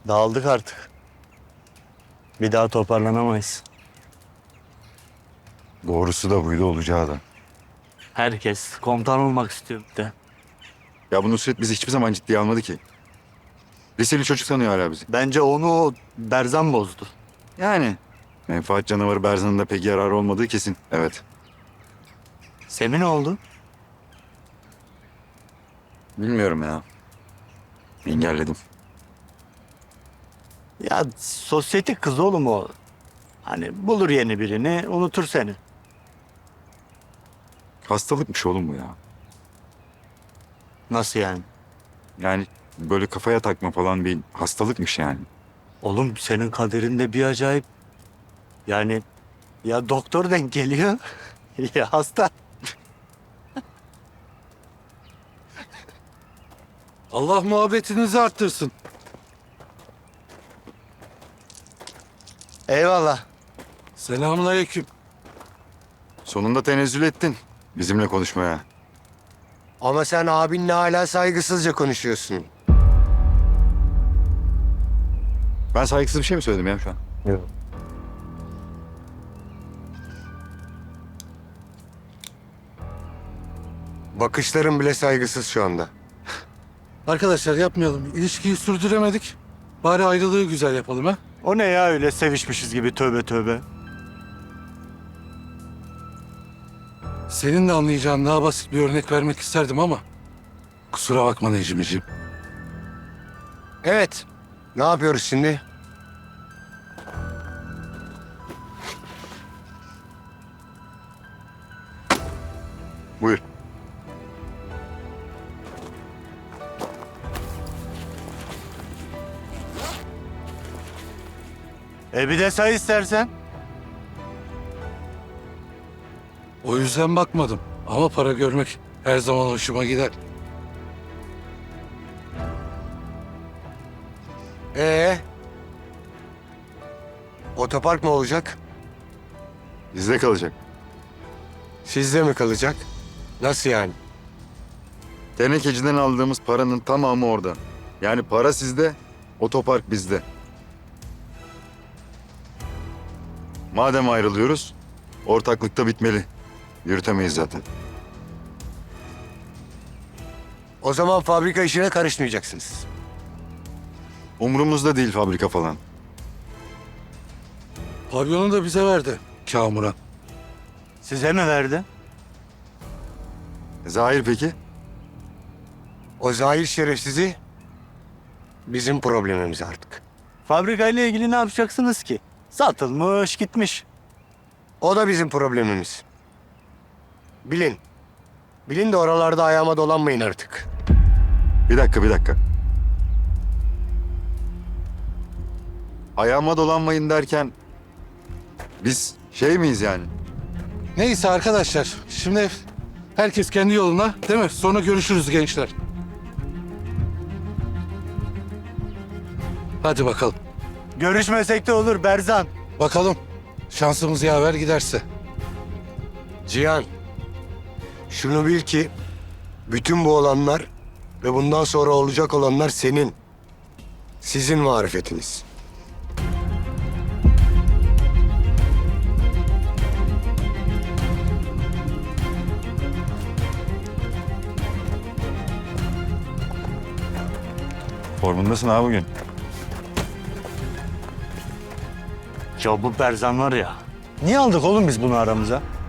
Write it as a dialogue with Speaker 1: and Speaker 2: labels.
Speaker 1: Dağıldık artık. Bir daha toparlanamayız.
Speaker 2: Doğrusu da buydu, olacağı da.
Speaker 1: Herkes komutan olmak istiyor bir de.
Speaker 2: Ya bu Nusret bizi hiçbir zaman ciddiye almadı ki. Liseli çocuk sanıyor hala bizi.
Speaker 1: Bence onu o Berzan bozdu.
Speaker 2: Yani. Menfaat canavarı Berzan'ın da pek yararı olmadığı kesin. Evet.
Speaker 1: Semih ne oldu?
Speaker 2: Bilmiyorum ya. Engelledim.
Speaker 1: Ya sosyetik kız oğlum o. Hani bulur yeni birini, unutur seni.
Speaker 2: Hastalıkmış oğlum bu ya.
Speaker 1: Nasıl yani?
Speaker 2: Yani böyle kafaya takma falan bir hastalıkmış yani.
Speaker 1: Oğlum senin kaderinde bir acayip. Yani ya doktor denk geliyor ya hasta.
Speaker 3: Allah muhabbetinizi arttırsın.
Speaker 1: Eyvallah.
Speaker 3: Selamünaleyküm.
Speaker 2: Sonunda tenezzül ettin bizimle konuşmaya.
Speaker 4: Ama sen abinle hala saygısızca konuşuyorsun.
Speaker 2: Ben saygısız bir şey mi söyledim ya şu an?
Speaker 1: Yok.
Speaker 4: Bakışların bile saygısız şu anda.
Speaker 3: Arkadaşlar yapmayalım. İlişkiyi sürdüremedik. Bari ayrılığı güzel yapalım ha.
Speaker 1: O ne ya öyle sevişmişiz gibi tövbe tövbe.
Speaker 3: Senin de anlayacağın daha basit bir örnek vermek isterdim ama... Kusura bakma Necmi'ciğim.
Speaker 4: Evet. Ne yapıyoruz şimdi?
Speaker 2: Buyur.
Speaker 1: Bir de say istersen.
Speaker 3: O yüzden bakmadım. Ama para görmek her zaman hoşuma gider.
Speaker 4: Ee? Otopark mı olacak?
Speaker 2: Bizde kalacak.
Speaker 4: Sizde mi kalacak? Nasıl yani?
Speaker 2: Tenekeciden aldığımız paranın tamamı orada. Yani para sizde, otopark bizde. Madem ayrılıyoruz, ortaklıkta bitmeli. Yürütemeyiz zaten.
Speaker 4: O zaman fabrika işine karışmayacaksınız.
Speaker 2: Umurumuzda değil fabrika falan.
Speaker 3: Pavyonu da bize verdi Kamuran.
Speaker 1: Size mi verdi?
Speaker 2: Zahir peki?
Speaker 4: O zahir şerefsizi bizim problemimiz artık.
Speaker 1: Fabrikayla ilgili ne yapacaksınız ki? Satılmış gitmiş.
Speaker 4: O da bizim problemimiz. Bilin. Bilin de oralarda ayağıma dolanmayın artık.
Speaker 2: Bir dakika. Ayağıma dolanmayın derken biz şey miyiz yani?
Speaker 3: Neyse arkadaşlar. Şimdi herkes kendi yoluna, değil mi? Sonra görüşürüz gençler. Hadi bakalım.
Speaker 1: Görüşmesek de olur Berzan.
Speaker 3: Bakalım. Şansımız yaver giderse.
Speaker 4: Cihan, şunu bil ki bütün bu olanlar ve bundan sonra olacak olanlar senin. Sizin marifetiniz.
Speaker 2: Formundasın ha bugün.
Speaker 1: Ya bu Berzan var ya. Niye aldık oğlum biz bunu aramıza?